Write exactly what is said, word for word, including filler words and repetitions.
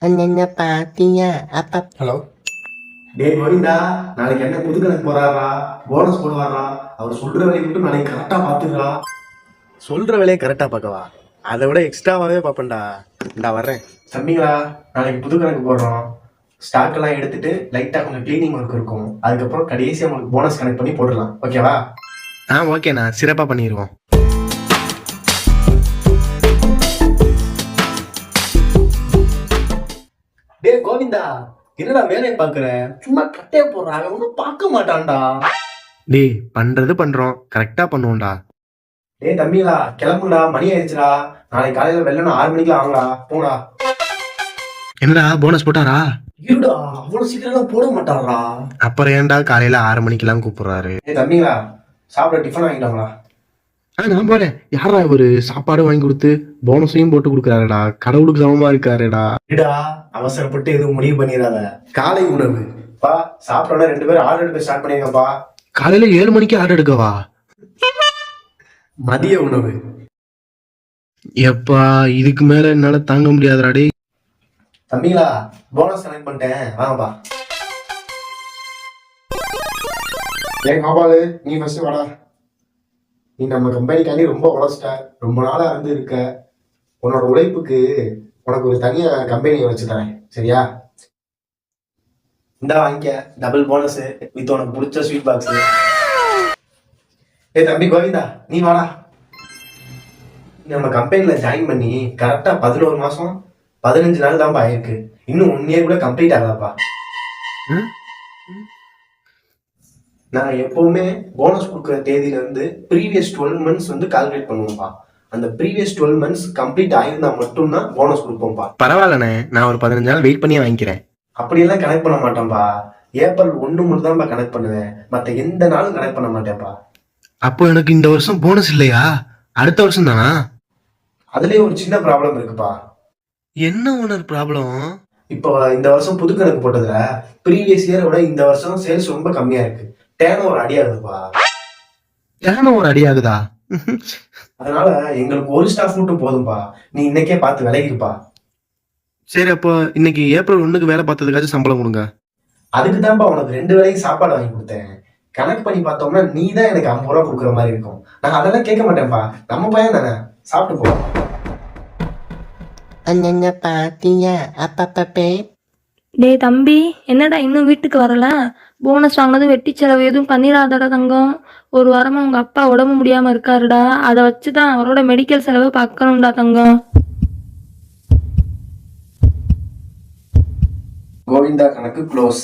அண்ணன பாத்தியா அப்பா? ஹலோ டேய் கோவிந்தா, நாளைக்கு என்ன புது கணக்கு போறாரா? போனஸ் போடுவாரா? அவர் சொல்ற வேலையை மட்டும் நாளைக்கு கரெக்டா பாத்துக்கிறா. சொல்ற வேலையை கரெக்டா பார்க்கவா? அதை விட எக்ஸ்ட்ராவாவே பார்ப்பேன்டா. இந்தா வர்றேன். தம்பிங்களா, நாளைக்கு புது கணக்கு போடுறோம். ஸ்டாக் எல்லாம் எடுத்துட்டு லைட்டா கொஞ்சம் கிளீனிங் ஒர்க் இருக்கும். அதுக்கப்புறம் கடைசியா உங்களுக்கு போனஸ் கனெக்ட் பண்ணி போடலாம். ஓகேவா? ஆ ஓகேண்ணா, சிறப்பா பண்ணிடுவோம். டே கோவிந்தா, என்னடா வேலையை பாக்குற? சும்மா கட்டைய போடுறாங்க, ஒன்னும் பார்க்க மாட்டான்டா. டேய் பண்றது பண்றோம், கரெக்டா பண்ணுவோம்டா. டேய் தம்பிங்களா, கிளம்புடா, மணி ஆயிடுச்சுடா. நாளைக்கு காலையில வெள்ளன ஆறு மணிக்கு ஆகும்டா, போடா. என்னடா போனஸ் போட்டாரா? இருடா, அவ்வளவு சீக்கிரம் போட மாட்டாரா? அப்புறம் ஏன்டா காலையில ஆறு மணிக்கு எல்லாம் கூப்பிடுறாரு? டேய் தம்பிங்களா, சாப்பிட டிஃபன் வாங்கிட்டாங்களா? ஆ நான் போறேன். யாரா இவரு சாப்பாடு வாங்கி கொடுத்து போனஸையும் போட்டு கொடுக்குறாருடா. கடவுளுக்கு சமமா இருக்காருடா. இடா அவசரப்பட்டு எதுவும் முடிவு பண்ணிடாத. காலை உணவு பா, சாப்பிட்டோட ரெண்டு பேரும் ஆர்டர் எடுக்க ஸ்டார்ட் பண்ணிருங்கப்பா. காலையில ஏழு மணிக்கு ஆர்டர் எடுக்கவா? மதிய உணவு எப்பா, இதுக்கு மேல என்னால தாங்க முடியாதுடா. டேய் தம்பிங்களா, போனஸ் கனெக்ட் பண்ணிட்டேன், வாங்கப்பா. ஏன் கோபாலு, நீ ஃபர்ஸ்ட் வாடா. நீ நம்ம கம்பெனிக்காண்டி ரொம்ப உழைச்சிட்ட, ரொம்ப நாளா இருந்து இருக்க. உன்னோட உழைப்புக்கு உனக்கு ஒரு தனியா கம்பெனியை வச்சு தரேன், சரியா? இந்தா வாங்கிக்க, டபுள் போனஸ் வித் உனக்கு பிடிச்ச ஸ்வீட் பாக்ஸ். ஏ தம்பி கோவிந்தா, நீ வாடா. நம்ம கம்பெனில ஜாயின் பண்ணி கரெக்டா பதினோரு மாசம் பதினஞ்சு நாள் தான்ப்பா ஆயிருக்கு. இன்னும் ஒன் இயர் கூட கம்ப்ளீட் ஆகலப்பா. நான் எப்பவுமே போனஸ் கொடுக்குற தேதியில இருந்து ப்ரீவியஸ் டுவெல் மந்த்ஸ் வந்து கால்குலேட் பண்ணுவோம்ப்பா. அந்த ப்ரீவியஸ் டுவெல் மந்த்ஸ் கம்ப்ளீட் ஆயிருந்தா மட்டும்தான் போனஸ் கொடுப்போம்ப்பா. பரவாயில்லண்ணே, நான் ஒரு பதினஞ்சு நாள் வெயிட் பண்ணி வாங்கிக்கிறேன். அப்படியெல்லாம் கனெக்ட் பண்ண மாட்டேன்ப்பா. ஏப்ரல் ஒன்று மட்டும் தான்ப்பா கனெக்ட் பண்ணுவேன், மற்ற எந்த நாளும் கனெக்ட் பண்ண மாட்டேன்ப்பா. அப்போ எனக்கு இந்த வருஷம் போனஸ் இல்லையா? அடுத்த வருஷம் தானா? அதுலயே ஒரு சின்ன ப்ராப்ளம் இருக்குப்பா. என்ன ஓனர் ப்ராப்ளம்? இப்போ இந்த வருஷம் புது கணக்கு போட்டதுல ப்ரீவியஸ் இயரை விட இந்த வருஷம் சேல்ஸ் ரொம்ப கம்மியா இருக்கு. டேர்ன் ஓவர் அடியாகுதுப்பா. டேர்ன் ஓவர் அடியாகுதா? அதனால எங்களுக்கு ஒரு ஸ்டாஃப் மட்டும் போதும்பா. நீ இன்னைக்கே பார்த்து விலகிருப்பா. சரி, அப்போ இன்னைக்கு ஏப்ரல் ஒண்ணுக்கு வேலை பார்த்ததுக்காச்சும் சம்பளம் கொடுங்க. அதுக்கு தான்ப்பா உனக்கு ரெண்டு வேளையும் சாப்பாடு வாங்கி கொடுத்தேன். கணக்கு பண்ணி பார்த்தோம்னா நீ தான் எனக்கு ஐம்பது ரூபா கொடுக்குற மாதிரி இருக்கும். நான் அதெல்லாம் கேட்க மாட்டேன்ப்பா, நம்ம பையன் தானே, சாப்பிட்டு போ. அண்ணன பாத்தியா அப்பப்பே? டேய் தம்பி, என்னடா இன்னும் வீட்டுக்கு வரல? போனஸ் வாங்கினதும் வெட்டி செலவு எதுவும் பண்ணிடாதடா தங்கம். ஒரு வாரமா உங்க அப்பா உடம்பு முடியாம இருக்காருடா. அதை வச்சுதான் அவரோட மெடிக்கல் செலவு பார்க்கணும்டா தங்கம். கோவிந்தா கணக்கு க்ளோஸ்.